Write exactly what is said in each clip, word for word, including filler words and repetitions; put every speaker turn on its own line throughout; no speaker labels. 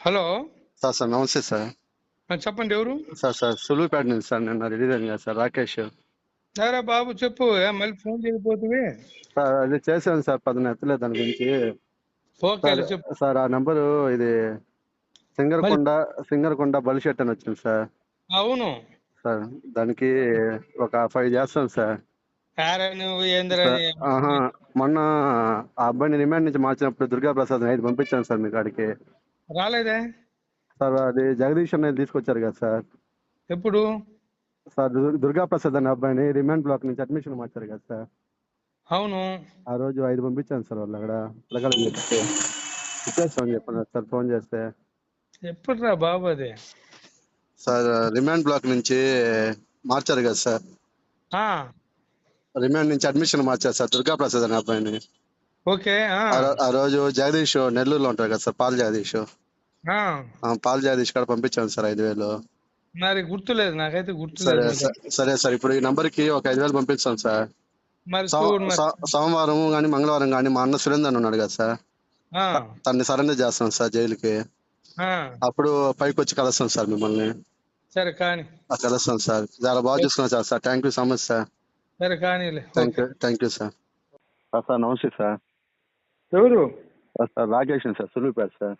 Hello.
Sir sir నమస్తే sir.
ఆ, చెప్పండి ఎవరు?
సార్ సార్ సులువుపేట నుంచి సార్ నిన్న రిలీజ్ అయింది కదా సార్ రాకేష్.
సరే బాబు చెప్పు. ఏ, మళ్ళీ ఫోన్ చేయకపోతే.
సార్ అది చేశాను సార్, పదన ఎత్తలేదు దాని గురించి. సార్
ఓకేలే చెప్పు.
సార్ ఆ నెంబరు ఇది
మళ్ళీ
సింగరకొండ సింగరకొండ బలిషెట్ అని వచ్చింది సార్.
అవును.
సార్ దానికి ఒక ఫైవ్ చేస్తాను సార్.
యారా నువ్వు ఏందిరా
సార్
నీ?
ఆహా, మొన్న ఆ అబ్బాయిని రిమాండ్ నుంచి మార్చినప్పుడు దుర్గా ప్రసాద్ ఐదు పంపించాను సార్ మీ కాడికి.
రాలేదే?
సార్ అది జగదీష్ అనేది తీసుకొచ్చారు కదా సార్.
ఎప్పుడు?
సార్ దుర్- దుర్గా ప్రసాద్ అనే అబ్బాయిని రిమాండ్ బ్లాక్ నుంచి అడ్మిషన్ మార్చారు కదా సార్.
అవును.
ఆ రోజు ఐదు పంపించాను సార్. వాళ్ళు అక్కడ పిల్లగాళ్ళకి చెప్తే ఇచ్చేస్తామని చెప్పన్నారు సార్ ఫోన్ చేస్తే.
ఎప్పుడురా బాబు అది?
సార్ రిమాండ్ బ్లాక్ నుంచి మార్చారు కదా సార్.
ఆ,
రిమాండ్ నుంచి అడ్మిషన్ మార్చారు సార్ దుర్గా ప్రసాద్ అనే అబ్బాయిని.
ఓకే. ఆ,
ఆ రో- ఆ రోజు జగదీష్ నెల్లూరులో ఉంటారు కదా సార్, పాల్ జగదీష్.
ఆ,
ఆ పాల్ జగదీష్ కాడ పంపించాను సార్ ఐదు వేలు.
మరి గుర్తులేదు, నాకైతే గుర్తులేదు.
సరే
మరి
సార్ సరే సార్ ఇప్పుడు ఈ నంబర్ కి ఒక ఐదు వేలు పంపిస్తాను సార్.
మరి
సో-
చూడు మరి.
సో- సోమవారం కానీ మంగళవారం కానీ మా అన్న సురేందర్ అని ఉన్నాడు కదా సార్,
ఆ,
తన్ని సరెండర్ చేస్తాం సార్ జైలుకి.
ఆ,
అప్పుడు పైకి వచ్చి కలుస్తాం సార్ మిమ్మల్ని.
సరే కానీ.
ఆ, కలుస్తాం సార్. చాలా బాగా చూసుకున్నాం sir. Sir thank you so much sir.
సరే కానీలే.
Thank
okay.
You thank you sir. Sir sir నమస్తే సార్.
ఎవరు?
Sir sir Rakesh sir Suluvupeta sir.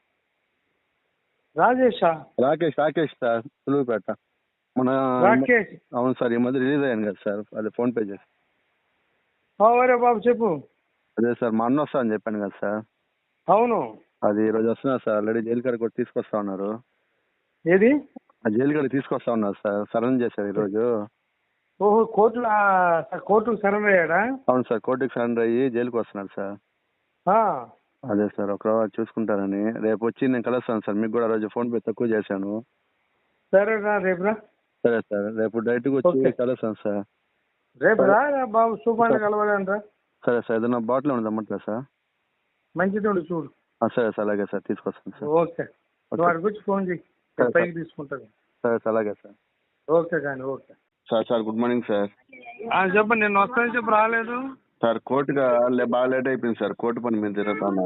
రాజేషా?
రాకేష్ రాకేష్ సార్ సులువుపేట. మన
రాకేష్.
అవును సార్, ఈ మధ్య రిలీజ్ అయ్యాను కదా సార్, అదే ఫోన్ పే చేసి.
అవరే బాబు చెప్పు.
అదే సార్ మా అన్న వస్తా అని చెప్పాను కదా సార్.
అవును.
అది ఈ రోజు వస్తున్నారు సార్. ఆల్రెడీ జైలు కాడికి కూడా తీసుకొస్తా ఉన్నారు.
ఏది?
ఆ జైలు కాడికి తీసుకొస్తా ఉన్నారు సార్, సరెండర్ చేశారు ఈ రోజు.
ఓహో, కోర్టులో కోర్టుకు సరెండర్ అయ్యాడా?
అవును సార్, కోర్టుకి సరెండర్ అయ్యి జైలుకి వస్తున్నారు సార్.
ఆ,
అదే సార్ ఒక రోజు చూసుకుంటారని రేపు వచ్చి నేను కలుస్తాను సార్. మీకు కూడా ఆ రోజు ఫోన్ పే తక్కువ చేశాను.
సరే రా రేపు రా.
సరే సార్, రేపు డైరెక్ట్గా వచ్చి
ఓకే.
కలుస్తాను సార్.
రేపు రా రా బాబు, సూపాన్ని కలవాలంట.
సరే సార్, ఏదైనా బాటిల్ ఉండదు అమ్మట్లేదు సార్.
మంచిది ఉండు చూడు.
ఆ, సరే సార్ అలాగే సార్ తీసుకొస్తాను సార్.
ఓకే. నువ్వు వాడికి వచ్చి ఫోన్ చేయి,
సరే సార్.
పైకి తీసుకుంటాను.
సరే సార్ అలాగే సార్.
ఓకే కానీ okay.
Sir sir good morning sir.
చెప్పండి, నేను వస్తానని చెప్పి రాలేదు.
సార్ కోర్టుగా లే- బాగా లేట్ అయిపోయింది సార్, కోర్టు పని మీద తిరుగుతాను.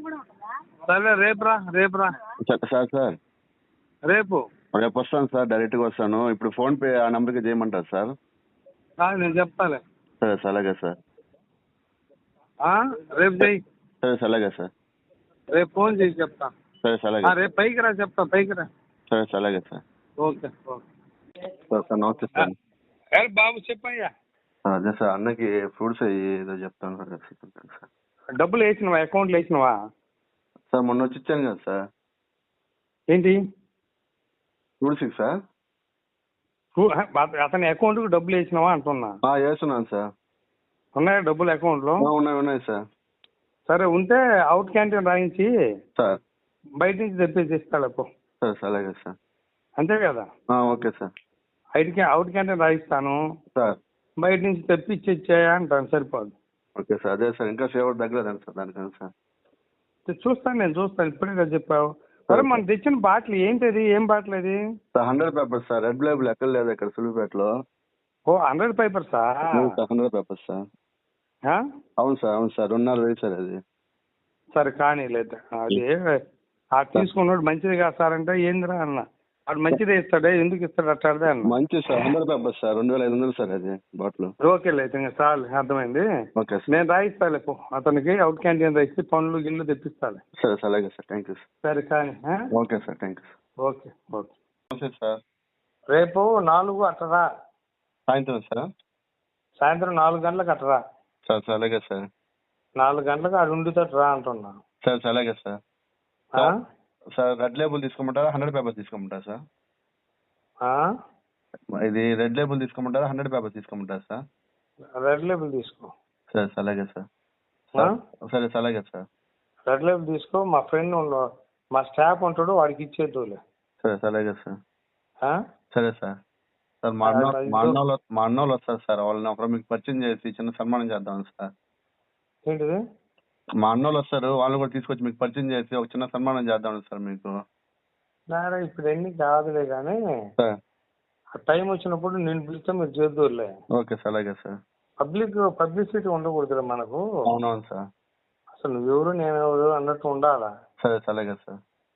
సరే రేపు రా, రేపు రా.
సార్ సార్ సార్
రేపు
రేపు వస్తాను సార్, డైరెక్ట్గా వస్తాను. ఇప్పుడు ఫోన్ పే ఆ నెంబర్కి చేయమంటారు సార్.
కాదు, నేను చెప్తాలే.
సరే సార్ అలాగే సార్.
ఆ, రేపు చెయ్యి.
సరే సార్ అలాగే సార్.
రేపు ఫోన్ చేసి చెప్తా.
సరే సార్
ఆ,
అలాగే.
రేపు పైకి రా, చెప్తా పైకి రా.
సరే సార్ అలాగే sir.
Okay okay.
Sir sir నమస్తే సార్.
ఏ బాబు చెప్పయ్యా.
సార్ అదే సార్ అన్నకి ఫ్రూట్స్ అయ్యి ఏదో చెప్తాను సార్. చెప్తాను సార్.
డబ్బులు వేసినవా? అకౌంట్లో వేసినవా?
సార్ మొన్న వచ్చి ఇచ్చాను కదా సార్
ఏంటి?
ఫ్రూట్స్కి సార్.
ఊ- అత- అతని అకౌంట్కి డబ్బులు వేసినావా అంటున్నా.
ఆ, వేస్తున్నాను సార్.
ఉన్నాయా డబ్బులు అకౌంట్లో?
ఆ, ఉన్నాయి ఉన్నాయి సార్.
సరే ఉంటే అవుట్ క్యాంటీన్ రాయించి
సార్
బయట నుంచి తెప్పేసి ఇస్తాడు అప్పు.
సరే సార్ అలాగే సార్.
అంతే కదా?
ఆ, ఓకే సార్.
ఐటీ క్యా అవుట్ క్యాంటీన్ రాయిస్తాను,
సార్
బయట నుంచి తెప్పించి ఇచ్చేయా అంటాను, సరిపోదు.
Okay sir. అదే సార్ ఇంకా ఫేవర్ తగ్గలేదండి సార్ దానికని సార్.
చూస్తాను, నేను చూస్తాను. ఇప్పుడే కదా చెప్పావు. సరే మనం తెచ్చిన బాటిల్ ఏంటిది? ఏం బాటిల్ అది?
Sir hundred Pipers sir, Red Label ఎక్కడ లేదు ఇక్కడ సులువుపేటలో.
ఓ, హండ్రెడ్ పేపర్సా?
అవును సార్ హండ్రెడ్ పేపర్స్ సార్.
ఆ?
అవును సార్ అవును సార్ రెండున్నర వేలు సార్ అది.
సరే కానీ లేదు అది. ఆ తీసుకున్నాడు మంచిది కాదు సార్ అంటే ఏందిరా అన్న. వాడు మంచిదే ఇస్తాడే, ఎందుకు ఇస్తాడు అట్టాడే అన్న.
మంచి సార్ హండ్రెడ్ పేపర్స్ సార్, రెండు వేల ఐదు వందలు సార్ అది బాటిల్.
ఓకేలే అయితే ఇంకా చాలు, అర్థమైంది.
Okay sir.
నేను రాయిస్తాలే పో, అతనికి అవుట్ క్యాంటీన్ రాయిస్తే పనులు గిల్లు తెప్పిస్తాలే.
సరే సార్ అలాగే సార్. Thank you sir.
సరే కానీ. ఆ?
Okay sir thank you sir.
Okay okay.
నమస్తే సార్.
రేపు నాలుగు అట్టరా,
సాయంత్రం సార్.
సాయంత్రం నాలుగు గంటలకు అట్టరా.
సార్ సార్ అలాగే సార్.
నాలుగు గంటలకు ఆడు ఉండుతాడు రా అంటున్నా.
సార్ సార్ అలాగే సార్.
ఆ?
సార్ రెడ్ లేబుల్ తీసుకోమంటారా హండ్రెడ్ పేపర్స్ తీసుకోమంటారా సార్?
ఆ?
ఇది రెడ్ లేబుల్ తీసుకోమంటారా హండ్రెడ్ పేపర్స్ తీసుకోమంటారా సార్?
రెడ్ లేబుల్ తీసుకో.
సరే సార్ అలాగే సార్.
ఆ?
సరే సార్ అలాగే సార్.
రెడ్ లేబుల్ తీసుకో. మా ఫ్రెండ్ ఉండు, మా స్టాఫ్ ఉంటాడు, వాడికి ఇచ్చేద్దులే.
సరే సార్ అలాగే సార్.
ఆ?
సరే సార్. సార్ మా అన్న మా అన్న వాళ్ళు మా అన్న వాళ్ళు వస్తారు సార్, వాళ్ళని ఒకరు మీకు పరిచయం చేసి చిన్న సన్మానం చేద్దాం సార్.
ఏంటిది?
మా అన్న వాళ్ళు వస్తారు, వాళ్ళని కూడా తీసుకొచ్చి మీకు పరిచయం చేసి ఒక చిన్న సన్మానం చేద్దాం సార్ మీకు.
నారా ఇప్పుడు ఎన్ని కాదులే కానీ
సార్
ఆ టైం వచ్చినప్పుడు నేను పిలిస్తే మీరు చేద్దులే.
ఓకే సార్ అలాగే సార్.
పబ్లిక్ పబ్లిసిటీ ఉండకూడదురా మనకు.
అవునవును సార్.
అసలు నువ్వెవరు నేను ఎవరు అన్నట్టు ఉండాలా.
సరే సార్ అలాగే సార్.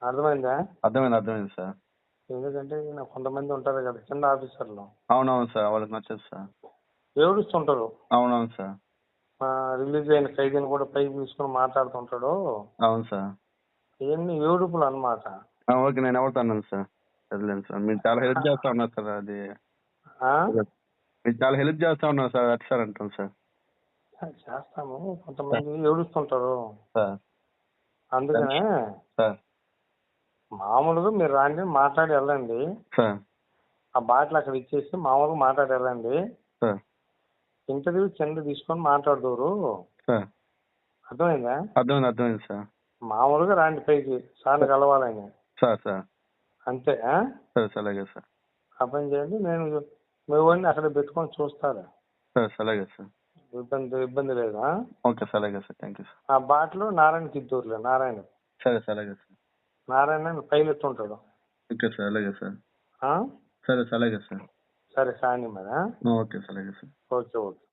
అర్థమైందా?
అర్థమైంది అర్థమైంది సార్.
ఎందుకంటే నాకు కొంతమంది ఉంటారు కదా కింద ఆఫీసర్లు,
అవునవును సార్, వాళ్ళకి నచ్చదు సార్.
ఏడుస్తుంటారు.
అవునవును సార్.
ఆ, రిలీజ్ అయిన ఖైదీని కూడా పైకి తీసుకుని మాట్లాడుతుంటాడు.
అవును సార్.
ఇవన్నీ ఏడుపులు అన్నమాట.
ఆ, ఓకే, నేను ఎవరితో అన్నాను సార్. చదిలేను సార్, మీరు చాలా హెల్ప్ చేస్తా ఉన్నారు సార్. అది
ఆ?
మీరు చాలా హెల్ప్ చేస్తా ఉన్నారు సార్, అటు సార్ అంటాను సార్.
చేస్తాము, కొంతమంది ఏడుస్తుంటారు.
సార్
అందుకనే
సార్
మామూలుగా మీరు రాండి, మాట్లాడి వెళ్ళండి.
సార్
ఆ బాటిల్ అక్కడ ఇచ్చేసి మామూలుగా మాట్లాడి వెళ్ళండి.
సార్
ఇంటర్వ్యూ కింద తీసుకొని మాట్లాడదురు.
సార్
అర్థమైందా?
అర్థమైంది అర్థమైంది సార్.
మామూలుగా రాండి పైకి సార్ని కలవాలని.
సార్ సార్
అంతే. ఆ?
సరే సార్, అలాగే సార్.
ఆ పని చేయండి. నేను మీ వాడిని అక్కడ పెట్టుకొని చూస్తాను.
సరే సార్, అలాగే సార్.
ఇబ్బంది ఇబ్బంది లేదు. ఆ?
ఓకే సార్, అలాగే సార్, థ్యాంక్ యూ సార్.
ఆ బాటిల్ నారాయణకి ఇద్దరులే. నారాయణ
సరే సార్, అలాగే సార్.
నారాయణ పైలట్ ఉంటాడు.
ఓకే సార్, అలాగే సార్.
ఆ?
సరే సార్, అలాగే సార్.
సరే కానీ మరి. ఆ?
ఓకే సార్, అలాగే సార్.
Okay okay.